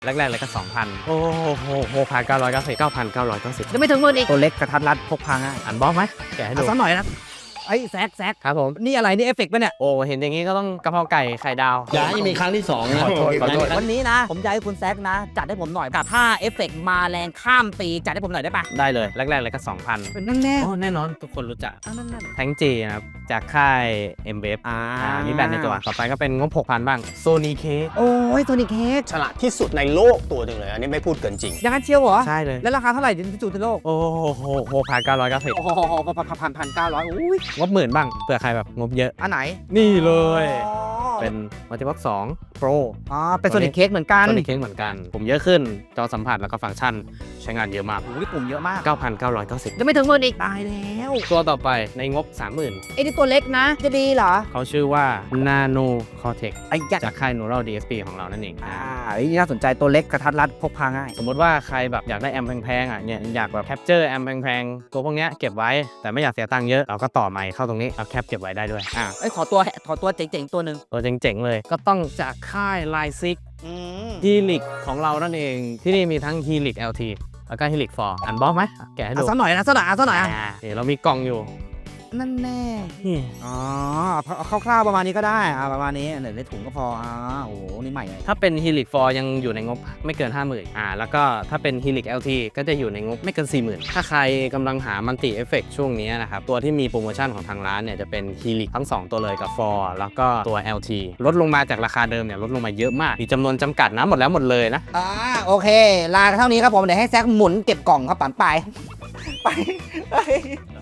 แรกๆเลยก็ 2,000 โอ้โห6,990 9,990 ยังไม่ถึงหมื่นอีกตัวเล็กกระทัดรัดพกพาง่ายอ่านบล็อกไหมแกะให้ดูเอาสักหน่อยนะไอ้แซกครับผมนี่อะไรนี่เอฟเฟกต์ป่ะเนี่ยโอ้เห็นอย่างนี้ก็ต้องกะเพราไก่ไข่ดาวอย่าให้มีครั้งที่2นะขอโทษวันนี้นะ ผมอยากให้คุณแซกนะ จัดให้ผมหน่อยกับถ้าเอฟเฟกต์มาแรงข้ามปีจัดให้ผมหน่อยได้ปะได้เลยแรกๆเลยก็ 2,000 เป็นนั่นแน่โอ้แน่นอนทุกคนรู้จักนั่นแทงจีนะครับจากค่าย m b f มีแบรนด์ในตัวต่อไปก็เป็นงบ 6,000 บ้างโซนีเคโอ้ยโซนิคเค้กฉลาดที่สุดในโลกตัวหนึ่งเลย อันนี้ไม่พูดเกินจริงอย่างนั้นเชียวเหรอใช่เลยแล้วราคาเท่าไหร่ที่สุดในโลกโอ้โห6,990 โอ้โห1,900อุ้ยงบหมื่นบ้างเผื่อใครแบบงบเยอะอันไหนนี่เลยอ๋อเป็นมัลติบ็อก2 Pro อ๋อเป็นโซนิคเค้กเหมือนกันโซนิคเค้กเหมือนกัน ผมเยอะขึ้นจอสัมผัสแล้วก็ฟังก์ชันใช้งานเยอะมากอุ้ยปุ่มเยอะมาก 9,990 ยังไม่ถึงหมื่นอีกตายแล้วตัวต่อไปในงบ 30,000 ไอ้นี่ตัวเล็กนะ จะดีเหรอเขาชื่อว่า Nano Cortex ไอ้ยักษ์จากค่าย Neural DSP ของเรานั่นเองไอ้นี่น่าสนใจตัวเล็กกระทัดรัดพกพาง่ายสมมติว่าใครแบบอยากได้แอมแพงๆอ่ะเนี่ยอยากแบบแคปเจอร์แอมแพงๆตัวพวกเนี้ยเก็บไว้แต่ไม่อยากเสียตังค์เยอะเราก็ต่อไมค์เข้าตรงนี้เราแคปเก็บไว้ได้ด้วยเอ้ยขอตัวเจ๋งๆตัวหนึ่งตัวเจ๋งๆเลยก็ต้องจากค่าย Line 6 Helix ของเรานั่นเองที่นี่มีทั้ง Helix LT แล้วก็ Helix 4อันบล็อกไหมแกะให้ดูเอาสักหน่อยนะสักหน่อยอ่ะนี่เรามีกล่องอยู่นั่นแน่นี่อ๋อเอาคร่าวๆประมาณนี้ก็ได้ประมาณนี้เดี๋ยวในถุงก็พอโอ้โหนี่ใหม่เลยถ้าเป็น Helix 4 ยังอยู่ในงบไม่เกิน 50,000แล้วก็ถ้าเป็น Helix LT ก็จะอยู่ในงบไม่เกิน 40,000 ถ้าใครกำลังหามัลติเอฟเฟกช่วงนี้นะครับ ตัวที่มีโปรโมชั่นของทางร้านเนี่ยจะเป็น Helix ทั้ง 2 ตัวเลยกับ 4 แล้วก็ตัว LT ลดลงมาจากราคาเดิมเนี่ยลดลงมาเยอะมาก มีจำนวนจำกัดนะหมดแล้วหมดเลยนะโอเคลาเท่านี้ครับผมเดี๋ยวให้แซกหมุนเก็บกล่องครับปั่นไป